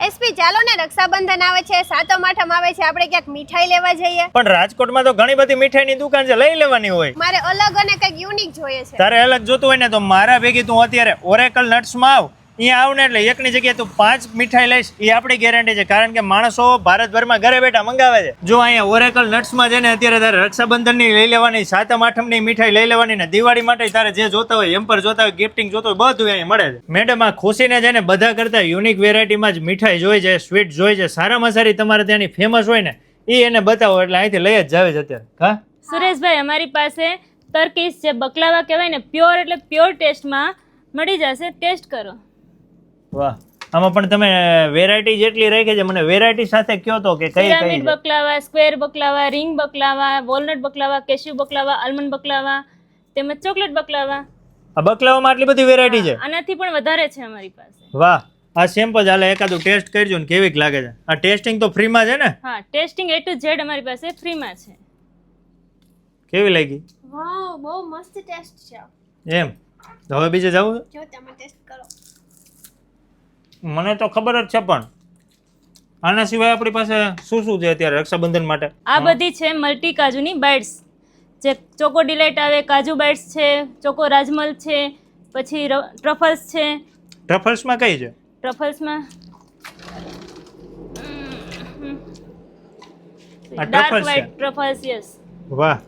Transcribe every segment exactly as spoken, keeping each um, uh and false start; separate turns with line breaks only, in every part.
SP ચાલો ને રક્ષાબંધન આવે છે, સાતમ આઠમ આવે છે, આપણે ક્યાંક મીઠાઈ લેવા જઈએ.
પણ રાજકોટમાં તો ઘણી બધી મીઠાઈની દુકાન છે, લઈ લેવાની હોય.
મારે અલગ અને કંઈક યુનિક જોઈએ છે.
તારે અલગ જોતું હોય ને તો મારા ભેગી તું અત્યારે ઓરેકલ નટ્સમાં આવ. અહીંયા આવ ને એટલે એકની જગ્યાએ તું પાંચ મીઠાઈ લઈશ એ આપણી ગેરંટી છે, કારણ કે માણસો ભારતભરમાં ઘરે બેઠા મંગાવે છે. જો અહીંયા ઓરેકલ નટ્સમાં છે ને અત્યારે તારે રક્ષાબંધનની લઈ લેવાની, સાતમ આઠમની મીઠાઈ લઈ લેવાની ને દિવાળી માટે તારે જે જોતા હોય, એમ્પર જોતા હોય, ગિફ્ટિંગ જોતું હોય, બધું અહીંયા મળે છે. મેડમ આ ખુશીને છે ને બધા કરતા યુનિક વેરાયટીમાં જ મીઠાઈ જોઈ છે, સ્વીટ જોઈ છે, સારામાં સારી તમારે ત્યાંની ફેમસ હોય ને એ એને બતાવો એટલે અહીંથી લઈ જ જાવે છે અત્યારે. હા
સુરેશભાઈ, અમારી પાસે તર્કીશ જે બકલાવા કહેવાય ને પ્યોર એટલે પ્યોર ટેસ્ટમાં મળી જશે, ટેસ્ટ કરો.
વાહ, આમાં પણ તમે વેરાયટી જેટલી રાખી છે, મને વેરાયટી સાથે કયો તો કે કઈ કઈ
pyramid baklava, square baklava, ring baklava, walnut baklava, cashew baklava, almond baklava તેમજ ચોકલેટ બકલાવા.
આ બકલાવામાં આટલી બધી વેરાયટી છે?
આનાથી પણ વધારે છે અમારી પાસે.
વાહ, આ સેમ્પલ હાલે એકાદું ટેસ્ટ કરજો ને કેવીક લાગે છે. આ ટેસ્ટિંગ તો ફ્રીમાં છે ને?
હા, ટેસ્ટિંગ એ ટુ ઝેડ અમારી પાસે ફ્રીમાં છે.
કેવી લાગી?
વાવ, બહુ મસ્ત ટેસ્ટ છે.
એમ તો હવે બીજે જાવું?
જો તમે ટેસ્ટ કરો.
મને તો ખબર જ છે, પણ આના સિવાય આપણી પાસે શું શું છે અત્યારે રક્ષાબંધન માટે?
આ બધી છે મલ્ટી કાજુની બાઇટ્સ, જે ચોકો ડિલાઇટ આવે, કાજુ બાઇટ્સ છે, ચોકો રાજમલ છે, પછી ટ્રફલ્સ છે.
ટ્રફલ્સમાં કઈ છે?
ટ્રફલ્સમાં
આ
ડાર્ક
ટ્રફલ્સ છે.
White truffles, yes.
વાહ,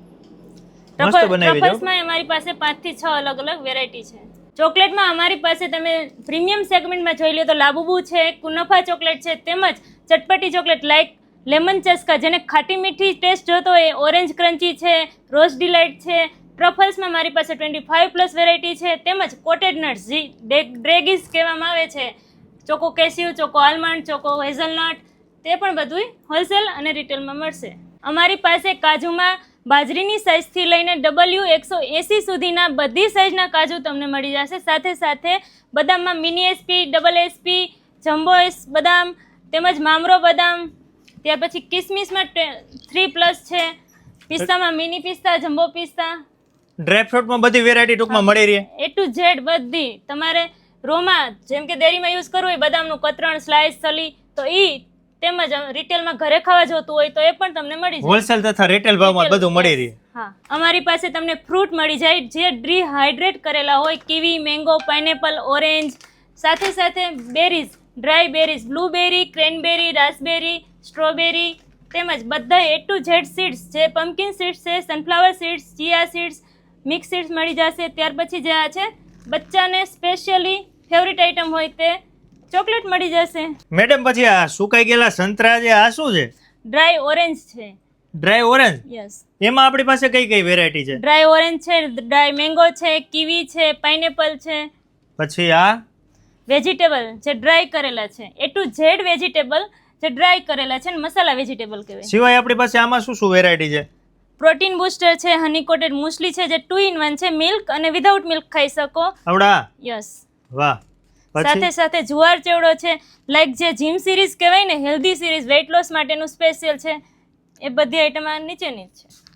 મસ્ત બનાવી છે.
ટ્રફલ્સમાં અમારી પાસે પાંચ થી છ અલગ અલગ વેરાયટી છે. ચોકલેટમાં અમારી પાસે તમે પ્રીમિયમ સેગમેન્ટમાં જોઈ લો તો લાબુબુ છે, કુનફા ચોકલેટ છે, તેમજ ચટપટી ચોકલેટ લાઈક લેમન ચસ્કા, જેને ખાટી મીઠી ટેસ્ટ જોતો હોય, ઓરેન્જ ક્રન્ચી છે, રોઝ ડિલાઇટ છે. ટ્રફલ્સમાં મારી પાસે ટ્વેન્ટી ફાઇવ પ્લસ વેરાયટી છે, તેમજ કોટેડ નટ્સ જે ડ્રેગીસ કહેવામાં આવે છે, ચોકો કેસ્યુ, ચોકો આલમંડ, ચોકો હેઝલનટ, તે પણ બધું હોલસેલ અને રિટેલમાં મળશે. અમારી પાસે કાજુમાં બાજરીની સાઇઝથી લઈને ડબલ્યુ એકસો એંસી સુધીના બધી સાઇઝના કાજુ તમને મળી જશે. સાથે સાથે બદામમાં mini SP, double SP, jumbo S બદામ, તેમજ મામરો બદામ, ત્યાર પછી કિસમિસમાં થ્રી પ્લસ છે, પિસ્તામાં મિની પિસ્તા, જમ્બો પિસ્તા,
ડ્રાયફ્રૂટમાં બધી વેરાયટી ટૂંકમાં મળી રહી.
એ ટુ ઝેડ બધી. તમારે રોમાં જેમ કે ડેરીમાં યુઝ કરવું હોય બદામનું કતરણ, સ્લાઇસ, સલી, તો ઈ તેમજ રિટેલમાં ઘરે ખાવા જોતું હોય તો એ પણ તમને મળી જાય.
હોલસેલ તથા રિટેલ ભાવમાં બધું મળી રહે.
હા, અમારી પાસે તમને ફ્રૂટ મળી જાય જે ડિહાઇડ્રેટ કરેલા હોય, કીવી, મેંગો, પાઇનેપલ, ઓરેન્જ, સાથે સાથે berries, dry berries, blueberry, cranberry, raspberry, strawberry, તેમજ બધા એ ટુ ઝેડ સીડ્સ જે પમ્પકિન સીડ્સ છે, sunflower seeds, chia seeds, mix seeds મળી જશે. ત્યાર પછી જે આ છે બચ્ચાને સ્પેશિયલી ફેવરિટ આઇટમ હોય તે ચોકલેટ મળી જશે.
મેડમ પછી આ સુકાઈ ગયેલા સંતરા છે, આ શું છે?
ડ્રાય ઓરેન્જ છે.
Dry orange?
યસ.
એમાં આપણી પાસે કઈ કઈ વેરાયટી છે?
ડ્રાય ઓરેન્જ છે, ડ્રાય મેંગો છે, કીવી છે, પાઇનેપલ છે.
પછી આ
વેજીટેબલ જે ડ્રાય કરેલા છે, એ ટુ ઝેડ વેજીટેબલ જે ડ્રાય કરેલા છે ને મસાલા વેજીટેબલ કહેવાય.
સિવાય આપણી પાસે આમાં શું શું વેરાયટી છે?
પ્રોટીન બૂસ્ટર છે, હની કોટેડ મુસલી છે જે ટુ ઇન વન છે, મિલ્ક અને વિધાઉટ મિલ્ક ખાઈ શકો.
આવડા?
યસ.
વાહ.
સાથે સાથે જુવાર ચેવડો છે, લાઈક જે જીમ સિરીઝ કહેવાય ને, હેલ્ધી સિરીઝ, વેઇટ લોસ માટેનું સ્પેશિયલ છે. એ બધી આઈટમ આ નીચેની જ છે.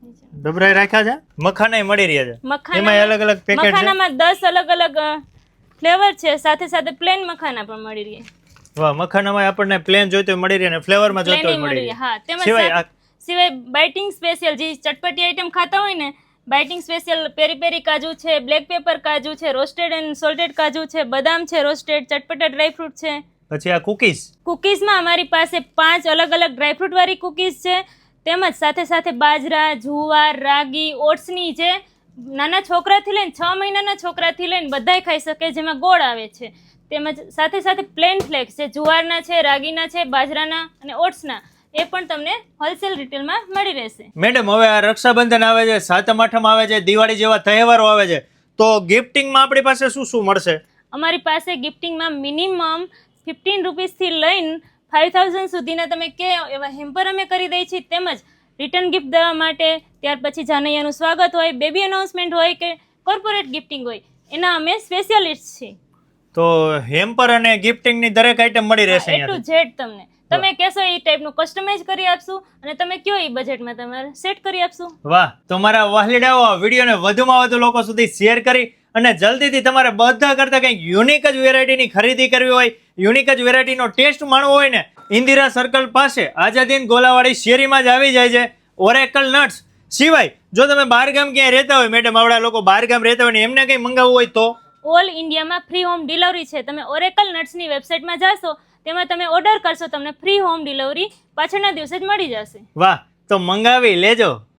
ડબરાઈ રાખ્યા છે. મખાના મળી રહ્યા છે.
મખાના
એમાં અલગ અલગ પેકેટ છે.
મખાનામાં દસ અલગ અલગ ફ્લેવર છે, સાથે સાથે પ્લેન મખાના પણ મળી રહે.
વાહ, મખાનામાં આપણને પ્લેન જોઈતો મળી રહે અને ફ્લેવરમાં જોઈતો હોય મળી રહે.
હા, તેમજ
સિવાય
સિવાય બાઇટિંગ સ્પેશિયલ જે ચટપટી આઈટમ ખાતા હોય ને, બાઇટિંગ સ્પેશિયલ પેરી પેરી કાજુ છે, બ્લેક પેપર કાજુ છે, રોસ્ટેડ એન્ડ સોલ્ટેડ કાજુ છે, બદામ છે રોસ્ટેડ, ચટપટા ડ્રાયફ્રૂટ છે.
પછી આ કુકીઝ.
કુકીઝમાં અમારી પાસે પાંચ અલગ અલગ ડ્રાયફ્રૂટ વાળી કુકીઝ છે, તેમજ સાથે સાથે બાજરા, જુવાર, રાગી, ઓટ્સની જે નાના છોકરાથી લઈને છ મહિનાના છોકરાથી લઈને બધાય ખાઈ શકે, જેમાં ગોળ આવે છે. તેમજ સાથે સાથે પ્લેન ફ્લેક્સ છે, જુવારના છે, રાગીના છે, બાજરાના અને ઓટ્સના, એ પણ તમને હોલસેલ રિટેલમાં મળી રહેશે.
મેડમ હવે આ રક્ષાબંધન આવે છે, સાતમ આઠમ આવે છે, દિવાળી જેવા તહેવારો આવે છે, તો ગિફ્ટિંગમાં આપણી પાસે શું શું મળશે?
અમારી પાસે ગિફ્ટિંગમાં મિનિમમ ફિફ્ટીન રૂપીસથી લઈને ફાઇવ થાઉઝન્ડ સુધીના તમે કે એવા હેમ્પર અમે કરી દઈએ છીએ, તેમજ રિટર્ન ગિફ્ટ દેવા માટે, ત્યાર પછી જાનૈયાનું સ્વાગત હોય, બેબી અનાઉન્સમેન્ટ હોય કે કોર્પોરેટ ગિફ્ટિંગ હોય, એના અમે સ્પેશિયાલિસ્ટ છીએ.
તો હેમ્પર અને ગિફ્ટિંગની દરેક આઈટમ મળી રહેશે
એ ટુ ઝેડ તમને તમે કહેશો એ ટાઈપનું કસ્ટમાઇઝ કરી આપશું અને તમે કયો એ બજેટમાં તમારે સેટ કરી આપશું.
વાહ, તો મારા વાહલીડાઓ વિડીયોને વધુમાં વધુ લોકો સુધી શેર કરી અને જલ્દીથી તમારે બધા કરતાં કંઈક યુનિક જ વેરાયટીની ખરીદી કરવી હોય, યુનિક જ વેરાયટીનો ટેસ્ટ માણવો હોય ને, ઇન્દિરા સર્કલ પાસે આઝાદીન ગોલાવાળી શેરીમાં જ આવી જાય છે ઓરેકલ નટ્સ. સિવાય જો તમે બહાર ગામ ક્યાંય રહેતા હોય, મેડમ આવડા લોકો બહાર ગામ રહેતા હોય ને એમને કંઈ મંગાવવું હોય તો
ઓલ ઇન્ડિયામાં ફ્રી હોમ ડિલિવરી છે. તમે ઓરેકલ નટ્સની વેબસાઇટમાં જાશો, તેમાં તમે ઓર્ડર કરશો, તમને ફ્રી હોમ ડિલિવરી પાછળના દિવસે જ મળી જશે.
વાહ, તો મંગાવી લેજો.